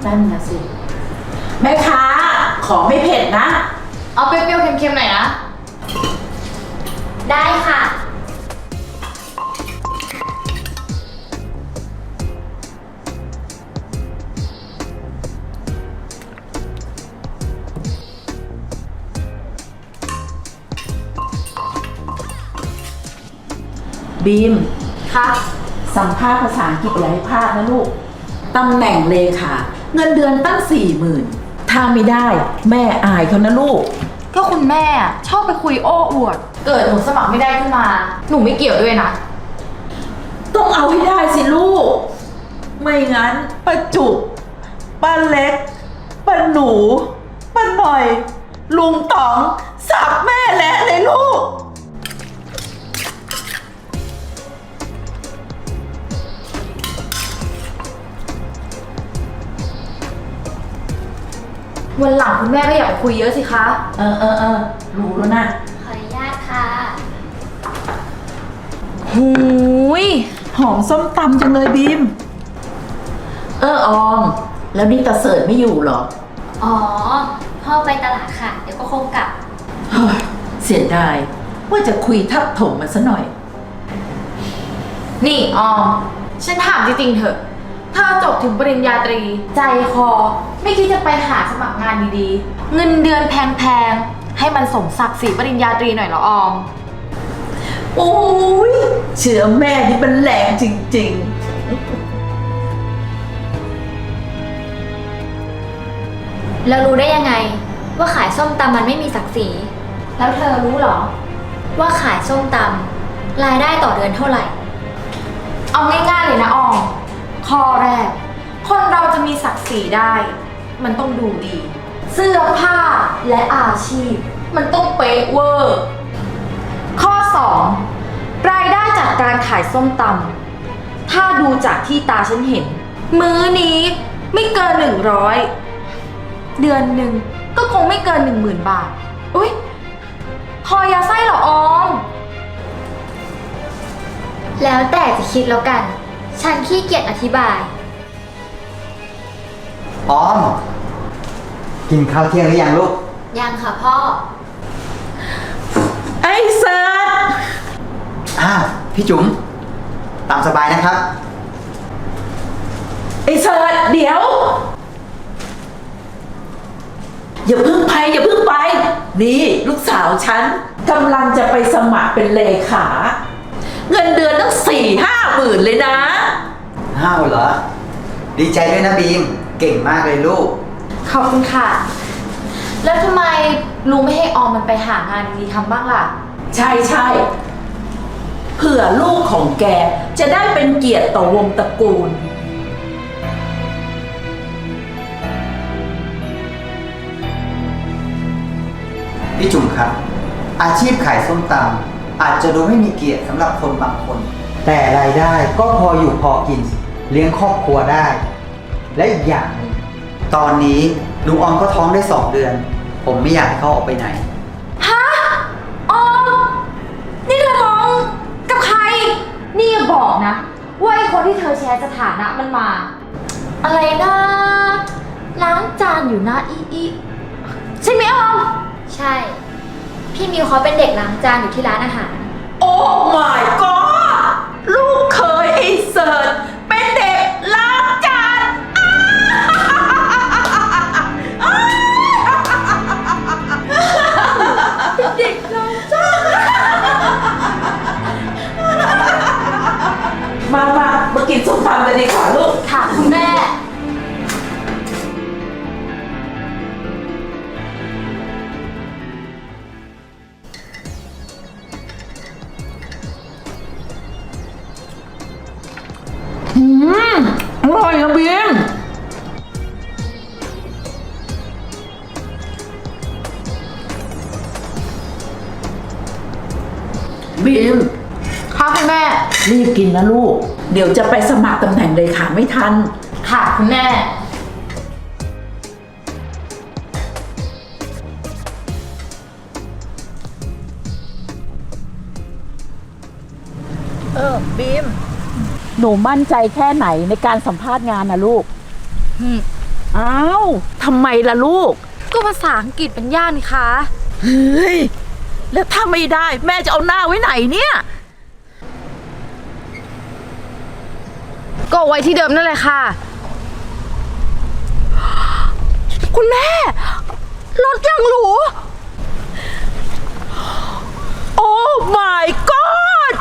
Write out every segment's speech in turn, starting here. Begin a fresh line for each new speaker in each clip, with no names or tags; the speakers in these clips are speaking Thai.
นั่นนะสิแม่ค้าขอไม่เผ็ดนะ
เอาเปรี้ยวๆเค็มๆหน่อยนะ
ได้ค่ะ
บีม
ค่ะ
สัมภาษณ์ภาษาอังกฤษอย่าให้พลาดนะลูกตำแหน่งเลขาเงินเดือนตั้ง40,000ถ้าไม่ได้แม่อายเขานะลูก
ก็คุณแม่ชอบไปคุยโอ้อวดเกิดหนูสมัครไม่ได้ขึ้นมาหนูไม่เกี่ยวด้วยนะ
ต้องเอาให้ได้สิลูกไม่งั้นป้าจุกป้าเล็กป้าหนูป้าหน่อยลุงต๋องสับแม่แหละเลยลูก
วันหลังคุณแม่ก็อย่าไปคุยเยอะสิคะ
รู้แล้วนะ
ขออนุญาตค่ะ
หูย
หอมส้มตำจังเลยบีมออมแล้วนี่ตาเสิร์ตไม่อยู่เหรอ
อ๋อพ่อไปตลาดค่ะเดี๋ยวก็คงกลับ
เสียดายว่าจะคุยทับถมมันซะหน่อย
นี่ออมฉันถามจริงๆเถอะถ้าจบถึงปริญญาตรีใจคอไม่คิดจะไปหาสมัครงานดีๆเงินเดือนแพงๆให้มันสมศักดิ์ศรีปริญญาตรีหน่อยเหรอออม
โอ้ยเชื่อแม่นี่มันแรงจริง
ๆแล้วรู้ได้ยังไงว่าขายส้มตำมันไม่มีศักดิ์ศรีแล้วเธอรู้หรอว่าขายส้มตำรายได้ต่อเดือนเท่าไหร่
เอาง่ายๆเลยนะออมข้อแรกคนเราจะมีศักดิ์ศรีได้มันต้องดูดีเสื้อผ้าและอาชีพมันต้องเป๊ะเวอร์ข้อ2รายได้จากการขายส้มตำถ้าดูจากที่ตาฉันเห็นมื้อนี้ไม่เกิน100เดือนหนึ่งก็คงไม่เกิน10,000 บาทอุ๊ยพอยาไส้เหรอออม
แล้วแต่จะคิดแล้วกันฉันขี้เกียจอธิบาย
ออมกินข้าวเที่ยงหรือยังลูก
ยังค่ะพ่อ
ไอ้เซิร์ช
พี่จุ๋มตามสบายนะครับ
ไอ้เซิร์ชเดี๋ยวอย่าเพิ่งไปนี่ลูกสาวฉันกำลังจะไปสมัครเป็นเลขาเงินเดือนตั้ง4-5 หมื่นเลยนะ
เหรอดีใจด้วยนะบีมเก่งมากเลยลูก
ขอบคุณค่ะแล้วทำไมลุงไม่ให้ออมมันไปหางานดีๆทำบ้างล่ะ
ใช่เผื่อลูกของแกจะได้เป็นเกียรติต่อวงตระกูล
พี่จุ๋มครับอาชีพขายส้มตำอาจจะดูไม่มีเกียรติสำหรับคนบางคน แต่รายได้ก็พออยู่พอกินเลี้ยงครอบครัวได้ และอีกอย่างหนึ่งตอนนี้ลุงออมก็ท้องได้2 เดือนผมไม่อยากให้เขาออกไปไหน
ฮะออมนี่เธอท้องกับใครนี่อย่าบอกนะว่าไอ้คนที่เธอแชร์สถานะมันมาอะไรนะล้างจานอยู่นะอีใช่ไหมออม
ใช่พี่มิวเขาเป็นเด็กล้างจานอยู่ที่ร้านอาหาร
โอ้ my god ลูกเคยไอ้เสิร์ชเป็นเด็กล้างจานเด็กล้างจานมากินส้มตำกันดีกว่าลูก
ค่ะคุณแม่
อร่อยนะบีม
ค่ะคุณแม่
รีบกินนะลูกเดี๋ยวจะไปสมัครตำแหน่งเลขาไม่ทัน
ค่ะคุณแม่
บีมหนูมั่นใจแค่ไหนในการสัมภาษณ์งานนะลูกอ้าวทำไมล่ะลูก
ก็ภาษาอังกฤษเป็นยากนี่คะ
เฮ้ย แล้วถ้าไม่ได้แม่จะเอาหน้าไว้ไหนเนี่ย
ก็เอาไว้ที่เดิมนั่นแหละค่ะ
คุณแม่ รถยังหรู โอ้ my god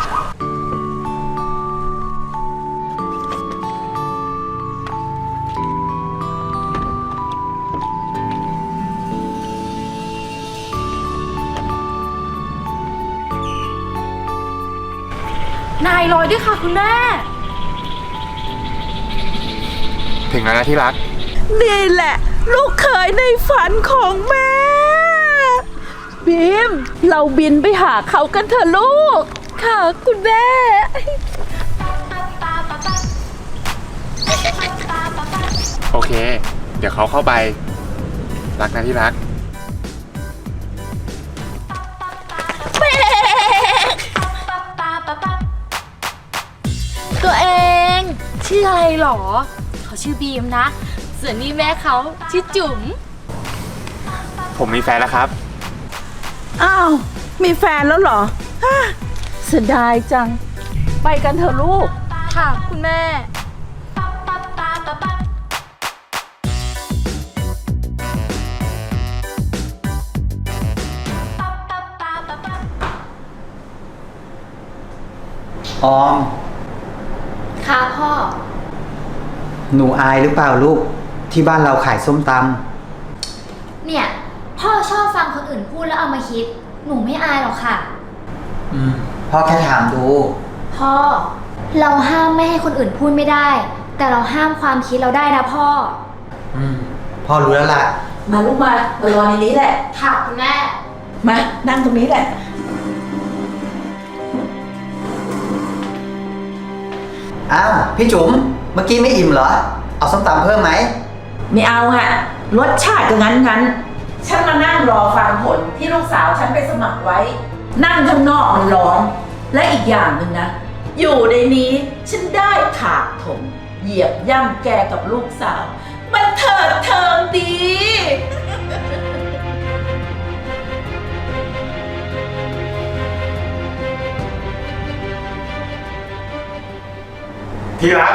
นายลอยด้วยค่ะคุณแม่
ถึงแล้วนะที่รัก
นี่แหละ ลูกเขยในฝันของแม่ บีม เราบินไปหาเขากันเถอะลูก ค่ะคุณแม่
โอเค เดี๋ยวเขาเข้าไป รักนะที่รัก
ตัวเองชื่ออะไรหรอ เขาชื่อบีมนะ ส่วนนี้แม่เขาชื่อจุ๋ม
ผมมีแฟนแล้วครับ
อ้าว มีแฟนแล้วเหรอฮ่าเสียดายจัง ไปกันเถอะลูก
ค่ะคุณแม่
ออม
ค่ะพ่อ
หนูอายหรือเปล่าลูก ที่บ้านเราขายส้มต
เนี่ย พ่อชอบฟังคนอื่นพูดแล้วเอามาคิด หนูไม่อายหรอกค่ะ
ำพ่อแค่ถามดู
พ่อ เราห้ามไม่ให้คนอื่นพูดไม่ได้ แต่เราห้ามความคิดเราได้นะพ่อ
พ่อรู้แล้วล่ะ
มาลูกมารอในนี้แหละ
ค่ะคุณแม่
มานั่งตรงนี้แหละ
อ้าว พี่จุ๋ม เมื่อกี้ไม่อิ่มเหรอ เอาส้มตำเพิ่มไหม
ไม่เอาอะรสชาติก็งั้น ฉันมานั่งรอฟังผลที่ลูกสาวฉันไปสมัครไว้ นั่งข้างนอกมันร้อน และอีกอย่างหนึ่งนะ อยู่ในนี้ฉันได้ถากถมเหยียบย่ำแกกับลูกสาว มันเถิดเทิงดี
ที่รัก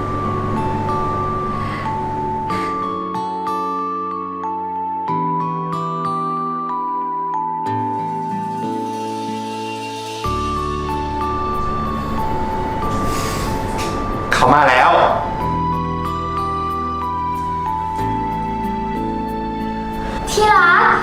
เขามาแล้ว
ที่รัก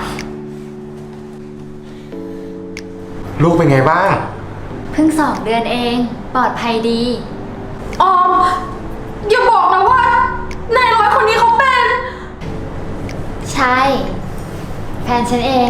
ลูกเป็นไงบ้าง
เพิ่ง2 เดือนเอง ปลอดภัยดี
ออม อย่าบอกนะว่านายร้อยคนนี้เขาเป็น
ใช่ แฟนฉันเอง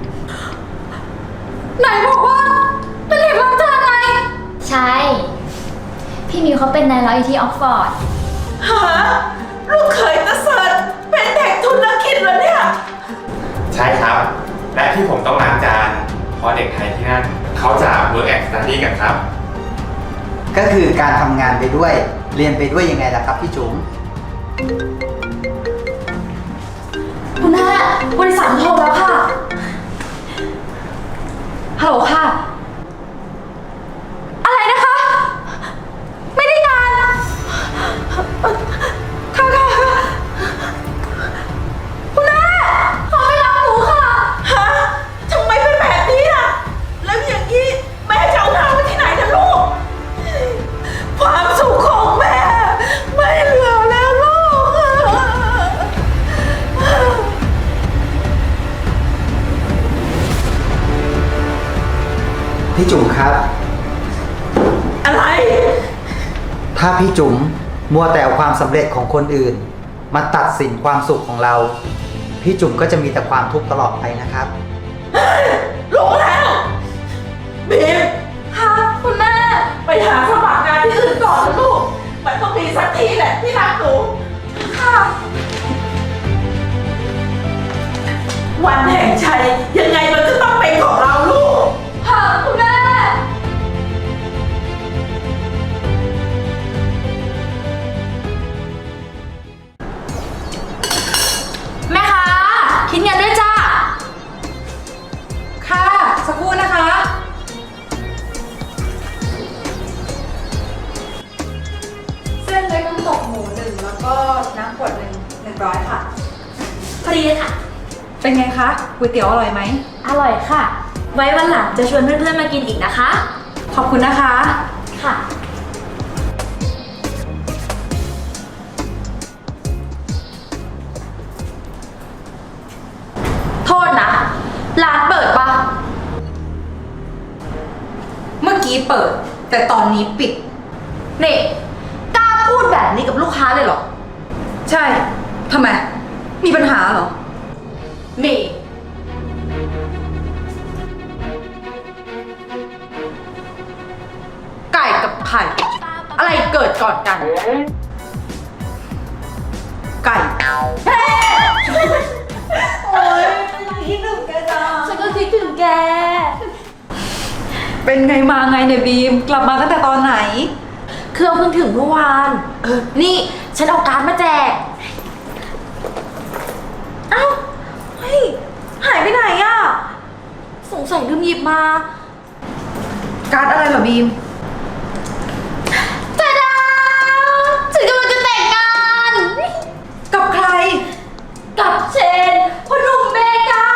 นายบอกว่าเป็นเด็กรับจ้างไง
ใช่ พี่มิวเขาเป็นนายร้อยอยู่ที่ออกฟอร์ด
ฮะ ลูกเขยตะเสิร์ตเป็นเด็กธุรกิจเหรอเนี่ย
ใช่ครับ และที่ผมต้องล้างจาน เพราะเด็กไทยที่นั่น เขาจะ work and study กันครับ
ก็คือการทำงานไปด้วย เรียนไปด้วยยังไงล่ะครับพี่จุ๋ม
คุณแม่บริษัทโทรแล้วค่ะ ฮัลโหลค่ะ อะไรนะคะ ไม่ได้งาน ค่ะคุณแม่เขาไม่รับหนูค่ะ
ฮะทำไมเป็นแบบนี้อ่ะ แล้วอย่างนี้แม่จะเอาหน้าไว้ที่ไหนนะลูก ความสุขของแม่ ไม่เหลือแล้วลูก
พี่จุ๋มครับ
อะไร
ถ้าพี่จุ๋มมัวแต่เอาความสำเร็จของคนอื่น มาตัดสินความสุขของเรา พี่จุ๋มก็จะมีแต่ความทุกข์ตลอดไปนะครับ
รู้แล้วบีม
ค่ะคุณแม่
ไปหาสมัครงานที่อื่นก่อนนะลูก มันต้องมีสักทีแหละที่รักหนู
ค่ะ
วันแห่งชัยยังไงมันก็ต้องเป็นของเราลูก
ค่ะคุณแม่
อ
แล้วก็น้ำขวดหนึ่ง100 ค่ะ
พอดีเลยค่ะ
เป็นไงคะก๋วยเตี๋ยวอร่อยไหม
อร่อยค่ะ ไว้วันหลังจะชวนเพื่อนๆมากินอีกนะคะ
ขอบคุณนะคะ
ค่ะ
โทษนะ ร้านเปิดปะ
เมื่อกี้เปิด แต่ตอนนี้ปิด
นี่กล้าพูดแบบนี้กับลูกค้าเลยเหรอ
ใช่ทำไม มีปัญหาเหรอ
มี ไก่กับไข่ อะไรเกิดก่อนกัน
ไก่
โอ๊ยคิดถึงแกจังฉันก็คิดถึงแก
เป็นไงมาไงเนี่ยบีม กลับมาตั้งแต่ตอนไหน
เครื่องเพิ่งถึงเมื่อวาน นี่ฉันเอาการ์ดมาแจก เอ้า เฮ้ย หายไปไหนอะสงสัยลืมหยิบมา
การ์ดอะไรเหรอบีม
ตาดาฉันกำลังจะแต่งงาน
กับใคร
กับเชนพ่อหนุ่มเมกา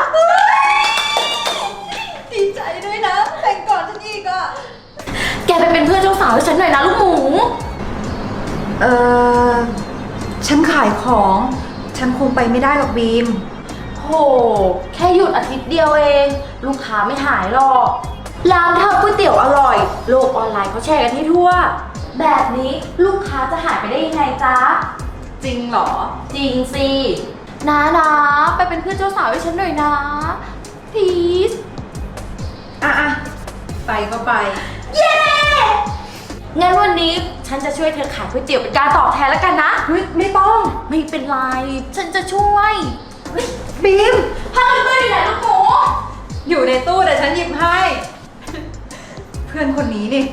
ดีใจด้วยนะ แต่งก่อนฉันอีกอ่ะ
แกไปเป็นเพื่อนเจ้าสาวให้ฉันหน่อยนะลูกหมู
เออฉันขายของ ฉันคงไปไม่ได้หรอกบีม
โห แค่หยุดอาทิตย์เดียวเอง ลูกค้าไม่หายหรอก ร้านทำก๋วยเตี๋ยวอร่อย โลกออนไลน์เขาแชร์กันให้ทั่ว แบบนี้ลูกค้าจะหายไปได้ยังไงจ๊ะ
จริงเหรอ
จริงสินะไปเป็นเพื่อนเจ้าสาวให้ฉันหน่อยนะ please
อ่ะ ไปก็ไป
เย้ งั้นวันนี้ฉันจะช่วยเธอขายก๋วยเตี๋ยวเป็นการตอบแทนแล้วกันนะ
เฮ้ย ไม่ต้อง
ไม่เป็นไร ฉันจะช่วยเฮ้ย
บีม
ผ้ากันเปื้อนอยู่ไหนลูกหมู
อยู่ในตู้แต่ฉันหยิบให้ เพื่อนคนนี้นี่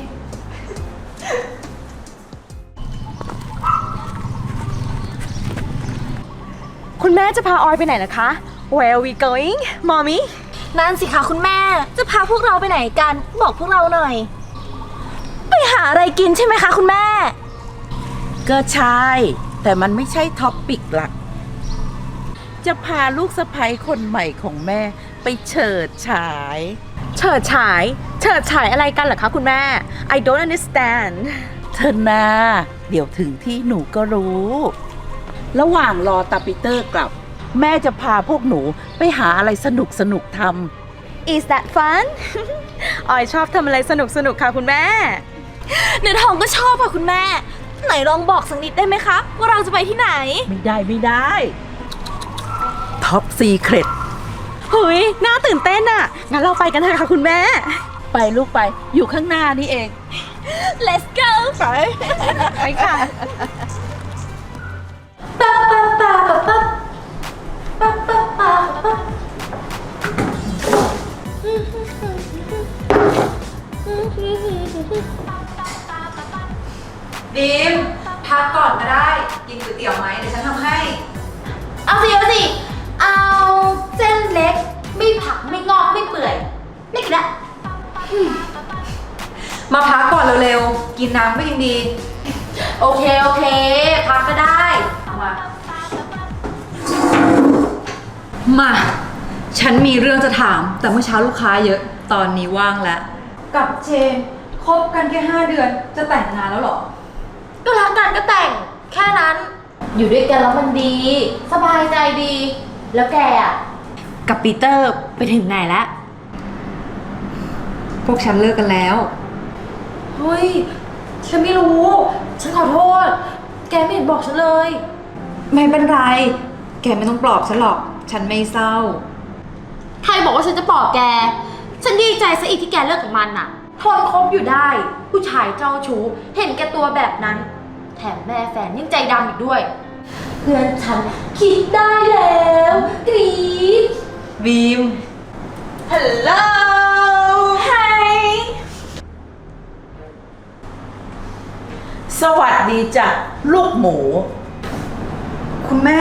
คุณแม่จะพาออยไปไหนนะคะ Where are we going, mommy?
นั่นสิคะคุณแม่ จะพาพวกเราไปไหนกัน บอกพวกเราหน่อย ไปหาอะไรกินใช่ไหมคะคุณแม่
ก็ใช่ แต่มันไม่ใช่ท็อปปิกหลัก จะพาลูกสะใภ้คนใหม่ของแม่ไปเฉิดฉาย
เฉิดฉาย เฉิดฉายอะไรกันเหรอคะคุณแม่ I don't understand
เธอนาเดี๋ยวถึงที่หนูก็รู้ ระหว่างรอตาปีเตอร์กลับ แม่จะพาพวกหนูไปหาอะไรสนุกทำ
Is that fun? ออยชอบทำอะไรสนุกค่ะคุณแม่
เนื้อทองก็ชอบค่ะคุณแม่ ไหนลองบอกสักนิดได้ไหมคะ ว่าเราจะไปที่ไหน
ไม่ได้ท็อปซีเครต
เฮ้ย น่าตื่นเต้นอะงั้นเราไปกันเถอะค่ะคุณแม่
ไปลูกไปอยู่ข้างหน้านี่เอง
Let's go
ไป
ไปค่ะ
ปั๊บปั๊บปั๊บปั๊บปั๊บปั๊บปั๊บปั๊บ
บีม พักก่อนก็ได้ กินก๋วยเตี๋ยวไหมเดี๋ยวฉันทำให้
เอาสิ เอาเส้นเล็ก ไม่ผักไม่งอกไม่เปื่อย ไม่กระ
มาพักก่อนเร็วๆ กินน้ำก็ยังดี
โอเค พักก็ได้เอามา
มา ฉันมีเรื่องจะถาม แต่เมื่อเช้าลูกค้าเยอะ ตอนนี้ว่างแล้ว กับเจนคบกันแค่ 5 เดือน จะแต่งงานแล้วเหรอ
ก็รักกันก็แต่ง แค่นั้น อยู่ด้วยกันแล้วมันดี สบายใจดี แล้วแกอ่ะ
กับปีเตอร์ไปถึงไหนแล้ว พวกฉันเลิกกันแล้ว
เฮ้ย ฉันไม่รู้ ฉันขอโทษ แกไม่เห็นบอกฉันเลย
ไม่เป็นไร แกไม่ต้องปลอบฉันหรอก ฉันไม่เศร้า
ใครบอกว่าฉันจะปลอบแก ฉันดีใจซะอีกที่แกเลิกกับมันน่ะ ทนคบอยู่ได้ ผู้ชายเจ้าชู้ เห็นแกตัวแบบนั้น แถมแม่แฟนยังใจดำอีกด้วย เพื่อนฉันคิดได้แล้วกรี๊ด
บีม
ฮัลโหลไฮ
สวัสดีจ้ะลูกหมู
คุณแม่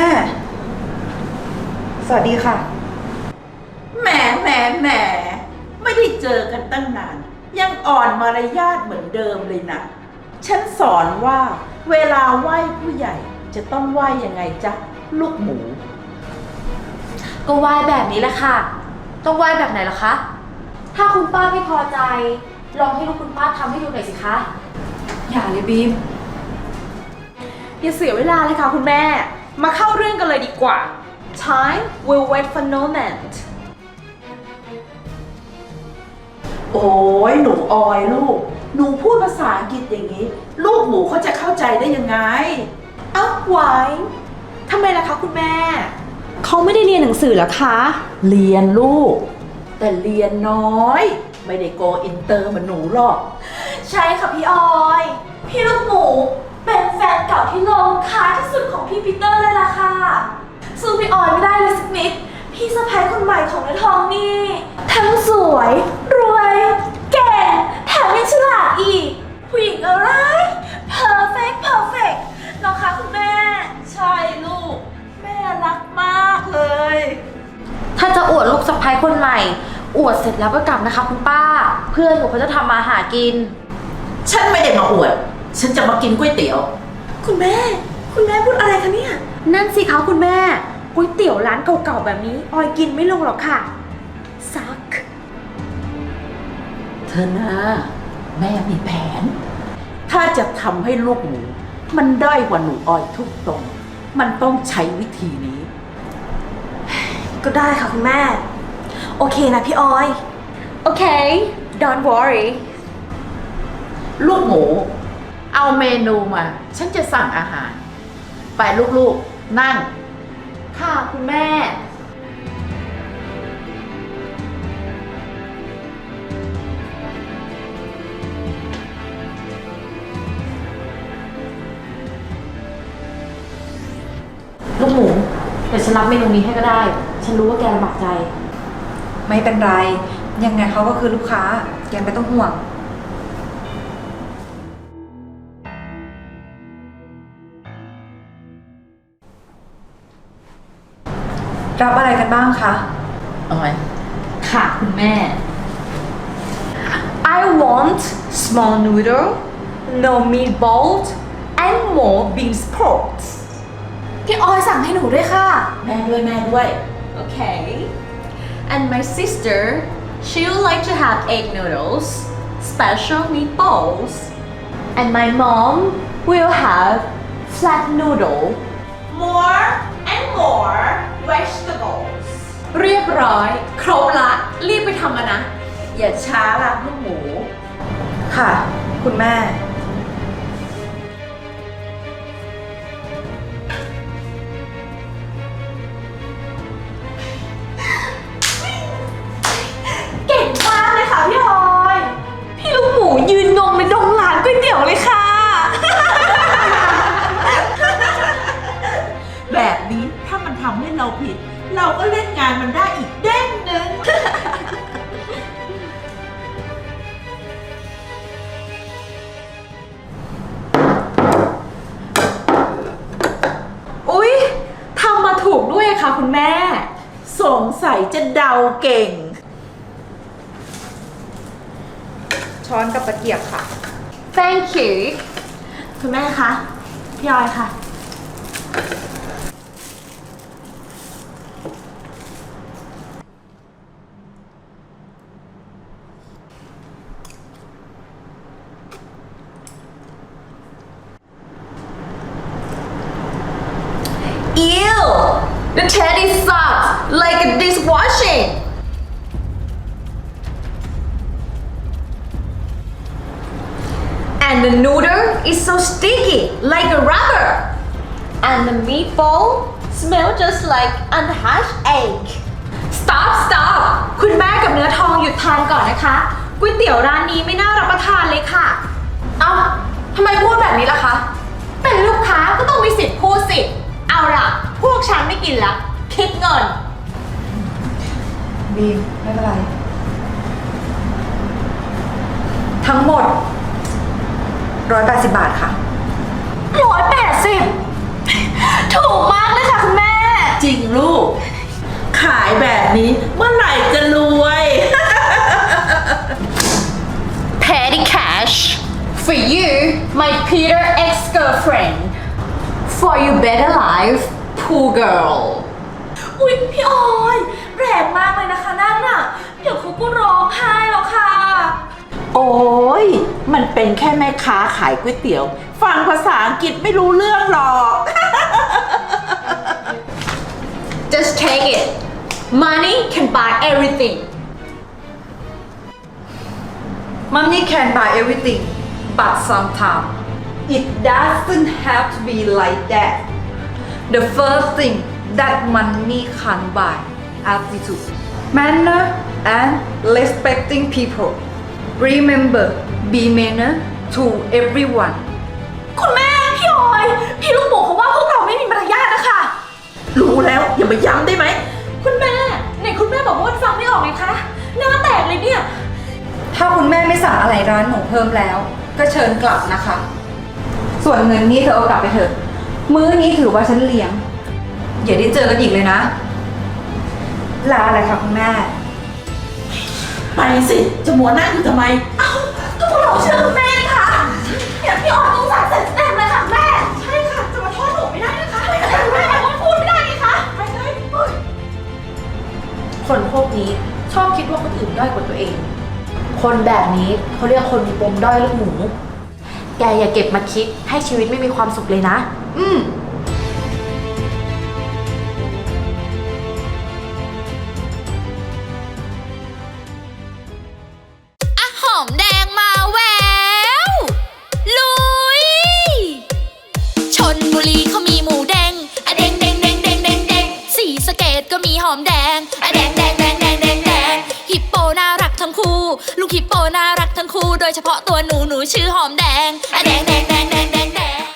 สวัสดีค่ะ
แหมไม่ได้เจอกันตั้งนาน ยังอ่อนมารยาทเหมือนเดิมเลยนะ ฉันสอนว่าเวลาไหว้ผู้ใหญ่จะต้องไหว้ยังไงจ๊ะลูกหมู
ก็ไหว้แบบนี้แหละค่ะ ต้องไหว้แบบไหนล่ะคะ ถ้าคุณป้าไม่พอใจ ลองให้ลูกคุณป้าทำให้ดูหน่อยสิคะ
อย่าเลยบีม
อย่าเสียเวลาเลยค่ะคุณแม่ มาเข้าเรื่องกันเลยดีกว่า Time will wait for no man
โอ้ยหนูออยลูก หนูพูดภาษาอังกฤษอย่างนี้ ลูกหมูเขาจะเข้าใจได้ยังไง
เอ้าไว้ทำไมล่ะคะคุณแม่ เขาไม่ได้เรียนหนังสือเหรอคะ
เรียนลูก แต่เรียนน้อย ไม่ได้โกอินเตอร์เหมือนหนูหรอก
ใช่ค่ะพี่ออย พี่ลูกหมูเป็นแฟนเก่าที่โลงค้าที่สุดของพี่ปีเตอร์เลยล่ะค่ะสู้พี่ออยไม่ได้เลยสักนิด พี่สะพ้ายคนใหม่ของเนื้อทองนี่ ทั้งสวย รวย แก่ แถมยังฉลาดอีก ผู้หญิงอะไร perfect perfect เนาะคะคุณแม่
ใช่ลูก แม่รักมากเลย
ถ้าจะอวดลูกสะพ้ายคนใหม่ อวดเสร็จแล้วก็กลับนะคะคุณป้า เพื่อนหนูเขาจะทำมาหากิน
ฉันไม่ได้มาอวด ฉันจะมากินก๋วยเตี๋ยว
คุณแม่พูดอะไรคะเนี่ย นั่นสิคะคุณแม่ ก๋วยเตี๋ยวร้านเก่าๆแบบนี้ ออยกินไม่ลงหรอกค่ะ ซัก
เธอนะแม่มีแผน ถ้าจะทำให้ลูกหมู มันด้อยกว่าหนูออยทุกตรง มันต้องใช้วิธีนี้
ก็ได้ค่ะคุณแม่ โอเคนะพี่ออย โอเค don't worry
ลูกหมู เอาเมนูมา ฉันจะสั่งอาหาร ไปลูกๆ นั่ง
ค่ะคุณแม่ ลูกหมู เดี๋ยวฉันรับเมนูนี้ให้ก็ได้ ฉันรู้ว่าแกลำบากใจ
ไม่เป็นไร ยังไงเขาก็คือลูกค้า แกไม่ต้องห่วง รับอะไรกันบ้างคะ
ออย
ค่ะคุณแม่
I want small noodle no meatballs and more bean sprouts
พี่ออยสั่งให้หนูด้วยค่ะ
แม่ด้วย
Okay. And my sister, she would like to have egg noodles, special meatballs. And my mom will have flat noodle, more and more vegetables. เรียบร้อย ครบละ รีบไปทำกันนะ
อย่าช้าล่ะลูกหมู
ค่ะ คุณแม่
เก่งมากเลยค่ะพี่ออย พี่ลูกหมูยืนงงในดงร้านก๋วยเตี๋ยวเลยค่ะ
แบบนี้ถ้ามันทำให้เราผิด เราก็เล่นงานมันได้อีกเด้งหนึ่ง
อุ๊ยทำมาถูกด้วยค่ะคุณแม่
สงสัยจะเดาเก่ง
ช้อนกับตะเกียบค่ะ
Thank you คุณแม่คะ พี่ออยค่ะ Ew! The teddy sucks like a dishwashing! And the noodle is so sticky like a rubber! And the meatball smell just like unhatched egg! Stop! คุณแม่กับเนื้อทองหยุดทานก่อนนะคะ ก๋วยเตี๋ยวร้านนี้ไม่น่ารับประทานเลยค่ะ
เอ้าทำไมพูดแบบนี้ล่ะคะ เป็นลูกค้าก็ต้องมีสิทธิ์พูดสิ เอาล่ะ พวกฉันไม่กินละ คิดเงิน
บีม ไม่เป็นไร ทั้งหมด 180 บาทค่ะ
180 ถูกมากเลยค่ะคุณแม่
จริงลูก ขายแบบนี้เมื่อไหร่จะรวย
Petty cash for you, my Peter ex-girlfriend. For your better life, poor girl.
อุ๊ยพี่ออยแรงมากเลยนะคะนั่นน่ะ เดี๋ยวเขาก็ร้องไห้แล้วค่ะ
โอ้ยมันเป็นแค่แม่ค้าขายก๋วยเตี๋ยว ฟังภาษาอังกฤษไม่รู้เรื่องหรอก
Just take it. Money can buy everything.
Money can buy everything, but sometimes it doesn't have to be like that. The first thing that money can buy, attitude, manner, and respecting people. Remember, be manner to everyone.
คุณแม่พี่ออย พี่ลูกหมูเขาว่าพวกเราไม่มีมารยาทนะคะ
รู้แล้วอย่ามาย้ำได้ไหม
คุณแม่ไหนคุณแม่บอกว่าฟังไม่ออกไงคะหน้าแตกเลยเนี่ย
ถ้าคุณแม่ไม่สั่งอะไรร้านหนูเพิ่มแล้ว ก็เชิญกลับนะคะ ส่วนเงินนี้เธอเอากลับไปเถอะ มื้อนี้ถือว่าฉันเลี้ยง อย่าได้เจอกันอีกเลยนะ ลาอะไรคะคุณแม่
ไปสิ จะมัวนั่งอยู่ทำไม
เอ้าก็พวกเราเชื่อคุณแม่นี่ค่ะเนี่ยพี่ออยต้องสั่งเสร็จเต็มเลยค่ะแม่ ใช่ค่ะ จะมาโทษหนูไม่ได้นะคะแม่ก็พูดไม่ได้ไงคะไปเลยคนพวกนี้ชอบคิดว่าคนอื่นด้อยกว่าตัวเอง คนแบบนี้เขาเรียกคนมีปมด้อยลูกหมู แกอย่าเก็บมาคิดให้ชีวิตไม่มีความสุขเลยนะ
หอมแดงมาแววลุยชนบุรีเขามีหมูแดงอะแดงแดงแดงแดงแดงแดงศรีสะเกษก็มีหอมแดงอะแดงแดงแดงแดงแดงแดงฮิปโปน่ารักทั้งคู่ลูกฮิปโปน่ารักทั้งคู่โดยเฉพาะตัวหนูชื่อหอมแด